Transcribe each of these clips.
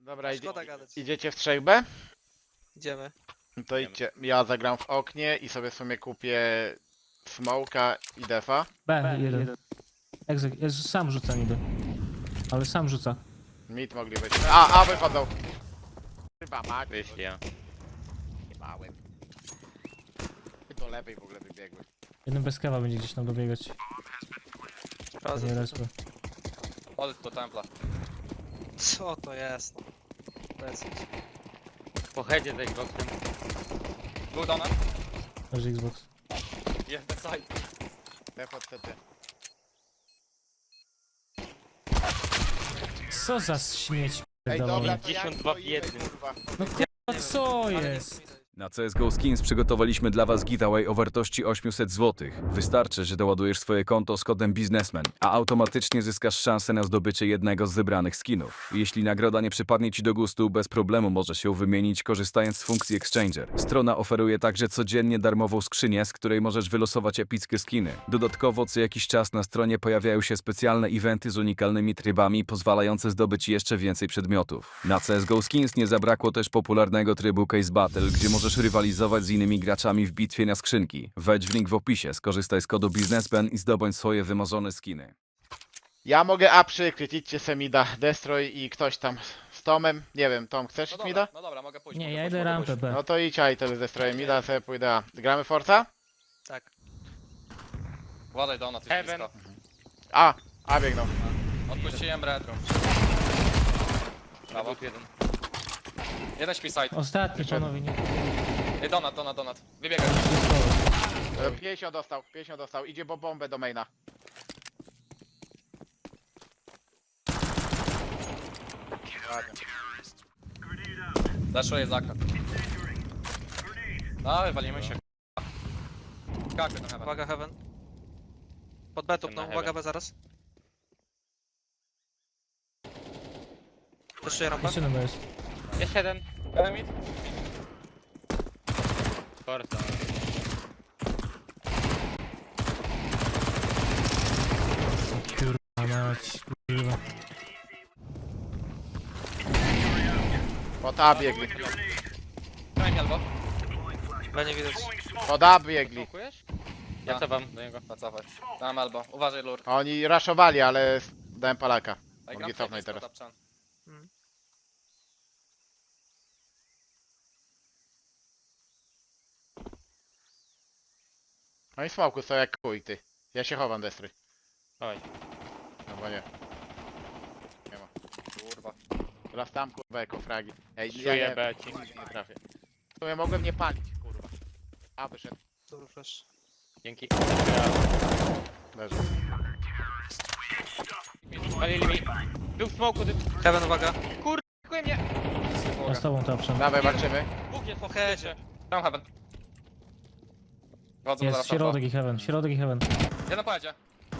Dobra, Szkoda gadać. idziecie w 3B? Idziemy. To idźcie. Ja zagram w oknie i sobie w sumie kupię smoka i defa. B1. Sam rzuca niby. Ale sam rzuca. Mid mogli być. A wychodzą. Chyba mać. Wyszli, ja. Nie małem. Do lewej w ogóle wybiegły. Jeden bez kawa będzie gdzieś tam dobiegać. Nie Sprawdzę. respę. Chodź do templa. Co to jest? Lecę. Po headzie z Xboxem. Był donat. Leży Xbox. Jest the side. Def od CT. Co za śmieć Ej pierdolony. dobra, to jak 52 w stoimy, jednym. kurwa? No kurwa, co jest? Na CSGO Skins przygotowaliśmy dla Was giveaway o wartości 800 zł. Wystarczy, że doładujesz swoje konto z kodem biznesmen, a automatycznie zyskasz szansę na zdobycie jednego z wybranych skinów. Jeśli nagroda nie przypadnie Ci do gustu, bez problemu możesz ją wymienić korzystając z funkcji Exchanger. Strona oferuje także codziennie darmową skrzynię, z której możesz wylosować epickie skiny. Dodatkowo co jakiś czas na stronie pojawiają się specjalne eventy z unikalnymi trybami, pozwalające zdobyć jeszcze więcej przedmiotów. Na CSGO Skins nie zabrakło też popularnego trybu Case Battle, gdzie możesz rywalizować z innymi graczami w bitwie na skrzynki. Wejdź w link w opisie, skorzystaj z kodu biznesmen i zdobądź swoje wymarzone skiny. Ja mogę A przykryć, idźcie Semida, Destroy i ktoś tam z Tomem. Nie wiem, Tom, chcesz No Mida? dobra, no dobra, mogę pójść. Nie, mogę ja pójść, idę mogę rampę pójść. B. No to idź A i tyle z Destroyem Mida, a sobie pójdę A. Gramy Forza? Tak. Uważaj donat, jest Heaven. blisko. A biegną. Odpuściłem retro. Brawo. Był jeden. Jeden śpi side. Ostatni panowie, nie. Ej, donat. Wybiegaj. 50 dostał, idzie po bombę do maina. Ładnie. Zaszuję zakręt. No, wywalimy się. Kakę na heaven. Uwaga, Heaven. Pod B Jestem no, na uwaga heaven. B zaraz. Jeszcze rampa. Jeszcze jeden jest. Jeszcze jeden. Heaven mid. Forza. Kurwa mać, kurwa. Pod A biegli. Daj mi albo. B nie widać. Pod A biegli. Smokujesz? Ja co wam do niego. Zacofaj. Dam albo. Uważaj lur. Oni raszowali, ale dałem Palaka. Ej, Mogli gram cofnąć blisko, teraz. tapczan. Oni w smoku są jak chuj, ty. Ja się chowam, Destroy. Oj. No bo nie. Nie ma. Kurwa. Teraz tam kurwa jako fragi. Ej, Czuję B ci. nie trafię. W sumie mogłem nie palić, kurwa. A wyszedł. Dobry flash. Dzięki. Leży. Palili mi. Był w smoku, ty... Heaven, uwaga. Kurde mnie. Ja z tobą tapszam. Dawaj, walczymy. Bóg jest Po po headzie. headzie. Dam heaven. Wchodzą Jest zaraz środek i heaven, środek i heaven. Jeden pojedzie.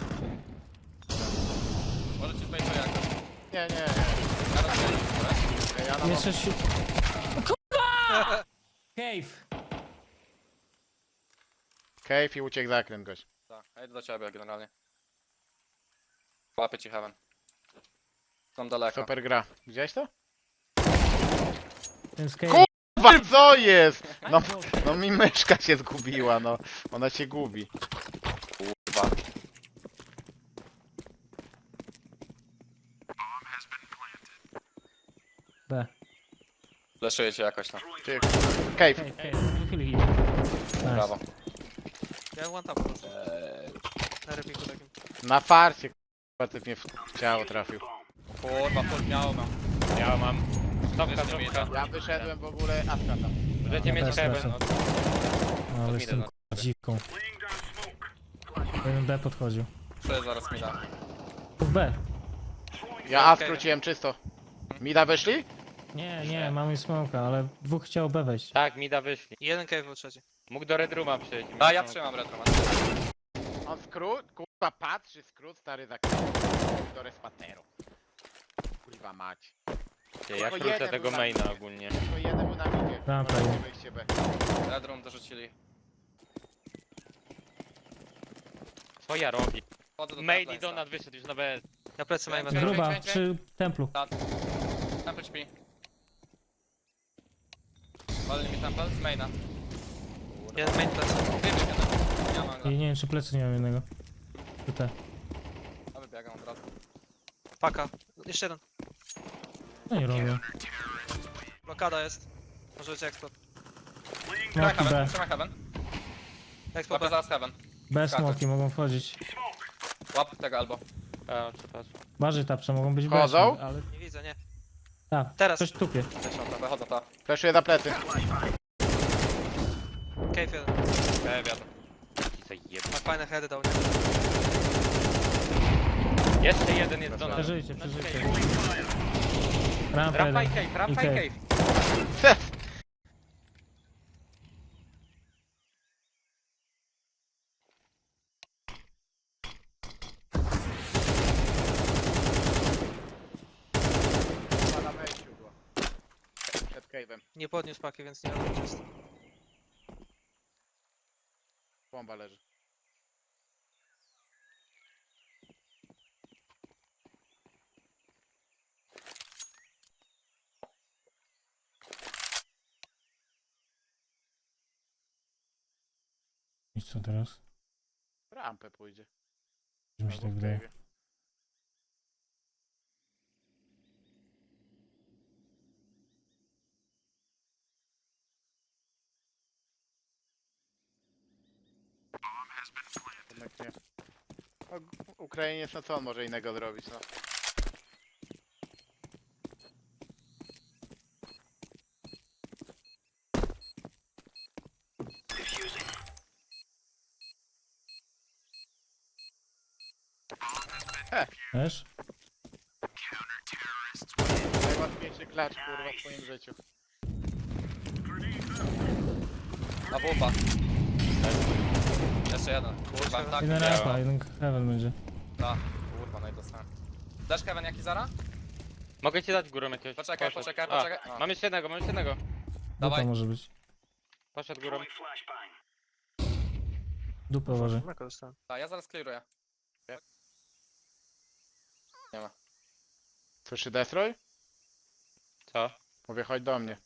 Może ci zbejczę jak. Nie. Ja rozumiem. Ja na Jeszcze się... No kurwa! Cave! Cave i uciekł zakręt gość. Tak, ja idę do ciebie generalnie. Łapię ci heaven. Są daleko. Super gra. Widziałeś to? Ten z cave. Kurwa, co jest? No mi myszka się zgubiła, no. Ona się gubi. Kurwa. B. Leszuję cię jakoś tam. Ty, Cave. Cave. Wychyli ich. Nice. Brawo. Ja one tap po prostu. Na repiku takim. Na farcie, kurwa, ty mnie w ciało trafił. Kurwa, podmiało mam. Ja mam. Stopka, Wiesz, nie stopka. Ja wyszedłem w ogóle Aska tam. Możecie Ja mieć też heaven. lecę. No, ale jestem kurwa dziwką. Jeden B podchodził. Czuję zaraz mi da. W B. Ja A skróciłem czysto. Mida wyszli? Nie, mamy smoka, ale dwóch chciało B wejść. Tak, mida wyszli. I jeden cave był trzeci. Mógł do Red Rooma przyjść. A ja trzymam retro, man. On skrót, kurwa patrzy, skrót stary za do respateru. Kurwa mać. Ty, ja Tylko krócę jeden tego był na maina midzie. ogólnie. Tylko jeden był na midzie. Rampa Możecie jest. wyjście B. Red room dorzucili. Co ja robię? Wchodzę do Main templa i insta. Donat wyszedł już na BS. Ja plecy mają Czekaj, metro. Gruba, czekaj. przy templu. Temple śpi. Walny mi temple z maina. Jeden main plecy. Wybieg jeden. Ja mam I go. nie wiem, czy plecy nie mam jednego. Tutaj. A wybiegam od razu. Paka. Jeszcze jeden. No i robię. Blokada jest. Może być eksport. Trzymaj Smoki B. heaven, trzymaj heaven. Eksport Łapię B. zaraz heaven. B Skakać. smoki mogą wchodzić. Łap tego albo. A, przepraszam. Bardziej tapcze mogą być B. Wchodzą? Ale... Nie widzę, nie. Tak, Teraz. coś tupie. Wychodzę to. Fleszuję za plecy. Cave jeden. Ja wiadomo. I zajeb... Ma fajne heady dał, nie? Jeszcze jeden jest do nas. Przeżyjcie, przeżyjcie. Rampa Rampa i jeden. cave, rampa i I cave. Ma na wejściu było. Przed cave'em. Nie podniósł paki, więc nie wiem, czy jest. Bomba leży. I co teraz? Rampę pójdzie. Mi się Albo tak w wydaje. cave'ie. Jednak nie. No, Ukrainiec, no co on może innego zrobić, no. Wiesz? Najłatwiejszy klacz, kurwa, w swoim życiu. A wupa. Jeszcze jeden. Kurwa, tak. Jeden miałem. rampa, jeden heaven będzie. Da. Kurwa, no i dostałem. Dasz heaven jaki zara? Mogę ci dać górą jakiegoś. Poczekaj, Poszedł. poczekaj, A, poczekaj. A. mam jeszcze jednego, mam jeszcze jednego. Dupa Dawaj. może być. Poszedł górą. Dupę uważaj. Mleko dostałem. Da, ja zaraz clearuję. Słyszy Destroy? Co? Mówię, chodź do mnie.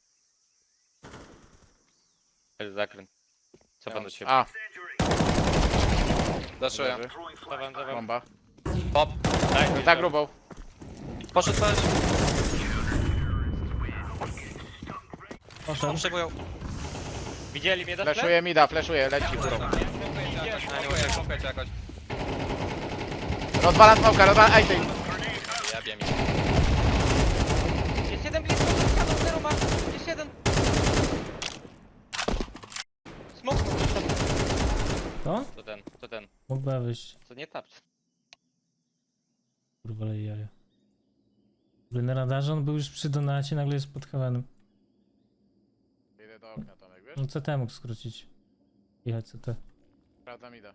Jest zakręt. Co Ja pan mam do ciebie? A, Daszuję. leży. Dawam, dawam. Bomba. Pop. Daj, chodź Za do- grubą. Poszedł coś. Poszedł. Przejmują. Widzieli mnie, dasz Fleszuję mida, fleszuję, leci górą. Smokujcie jakoś. Rozwalam smoka, rozwalam, ej ty! Jebie mi. Jest jeden blisko, ścianą, zero ma. Jest jeden. Smok. To? To ten. Mógł B wyjść. Co nie tapcz. Kurwa, ale jaja. Na radarze on był już przy donacie, nagle jest pod heavenem. Idę do okna, Tomek, wiesz? No CT mógł skrócić. Jechać CT. Sprawdzam mida.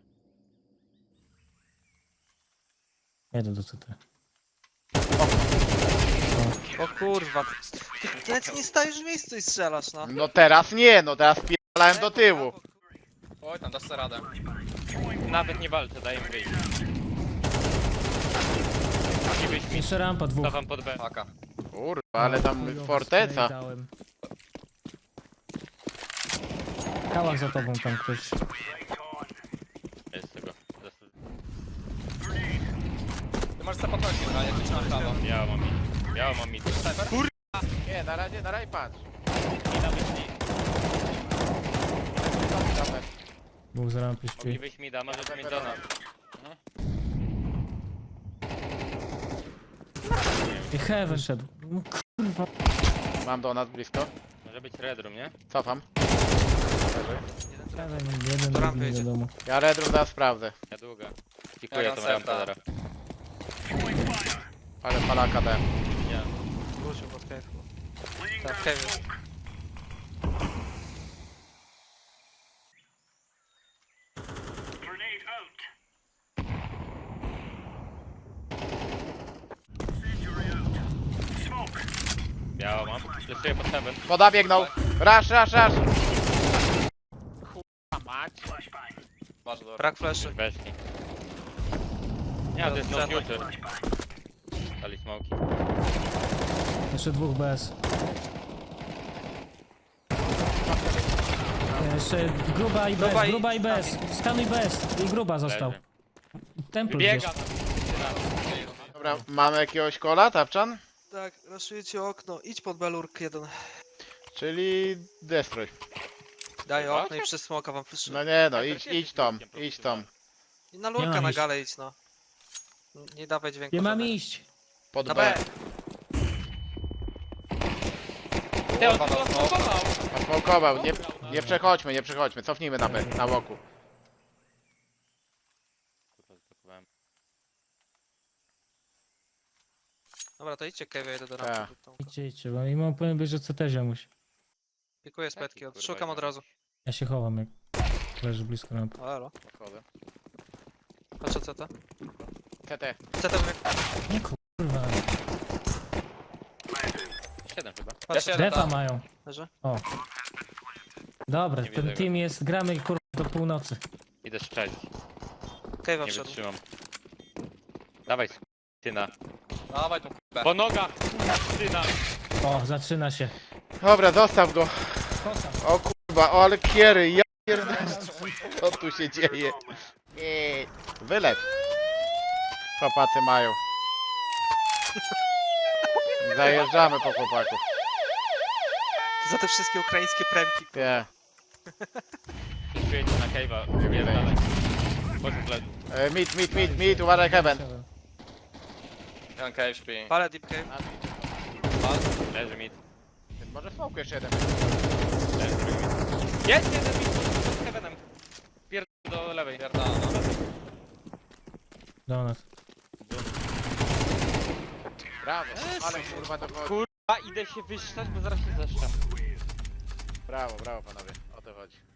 Jedę do CT. O kurwa. Ty nawet nie stajesz w miejscu i strzelasz, no. No teraz nie, no teraz pierdalałem do tyłu. Oj, tam dasz sobie radę. Nawet nie walczę, daj im wyjść. I wyjść mi. Jeszcze rampa dwóch. Dawam pod B. Paka. Kurwa, ale tam Chujowy forteca. spray dałem. Kałak za tobą tam ktoś. Jest tego. Ty możesz sobie podchodzić, no, ja ci na prawo. Biało mam mi. Biało mam mi. Sniper? Nie, na razie patrz. I nawet mi. Dwóch za rampy Mogli śpi. wyjść mi da, może być mi do nas. I heaven szedł. No kurwa. Mam do nas blisko. Może być red room, nie? Cofam. Heaven, jeden, Do rampy drugi, nie jedzie. wiadomo. Ja redrum zaraz sprawdzę. Ja długa. Pikuję Ja tą mam rampę seta. zaraz. Ale palaka dałem. Ja. Wrócił pod cave. Tak, w cave jest. Biało mam. Fleszuję pod heaven. Woda biegnął. Rush. Kurwa mać. Bardzo dobrze. Brak fleszy. Weszli. Nie, to jest no future. Dali smoki. Jeszcze dwóch bez. Jeszcze gruba i bez, Gruba i- gruba i bez. Skanuj bez. I gruba został. Leży. Temple gdzieś. Biega tam. Dobra, mamy jakiegoś kola, Tapczan? Tak, raszuję ci okno. Idź pod belurk jeden. Czyli destroy. Daj Chyba? okno i przez smoka wam flashuję. No nie no, Tak, idź, tak, idź tam, jest idź tam. I na Nie lurka mam na iść. galę idź, no. Nie dawaj dźwięku. Nie mam żadnego. iść. Pod Na B. B. Ty, on to zasmokował. Nasmokował, nie przechodźmy, nie przechodźmy. Cofnijmy na B, na łoku. Kurwa, zblokowałem. Dobra, to idźcie Kevin, jedę do Tak. rampy. tą- Idźcie, bo i mam powiem, że co też ziomuś. Pikuję z Taki, petki, kurwa, szukam od ziom. razu. Ja się chowam, jak leży blisko lampy. O, elo. Wchodzę. Patrzę CT. CT. CT mówię. Nie kurwa. 7 chyba. Patrzę Ja się- Defa mają. leży. O. Dobra, Nie ten widzę team jest, gramy kurwa do północy. Idę strzelić. Kevin Nie wszedł. wytrzymam. Dawaj, syna. Dawaj tą k***ę. Po nogach! Syna! O, zaczyna się. Dobra, zostaw go. Kosa. O kurwa, o ale kiery, ja pierdolę. Co tu się dzieje? Nie. Wylew. Chłopacy mają. Zajeżdżamy po chłopaków. Za te wszystkie ukraińskie premki. Nie. Przyjedź na cave'a. Nie Jest wiem. dalej. Chodź w tle. Meet, uważaj heaven. Jeden cave śpi. Palę deep cave. Leży mid. Może smoke jeszcze jeden. Leży drugi mid. Jest jeden mid pod heavenem. Pierd do lewej. Pierdala, no. Do nas. Brawo, ale kurwa to chodzi. Kurwa, idę się wyszczać, bo zaraz się zeszczam. Brawo, brawo panowie, o to chodzi.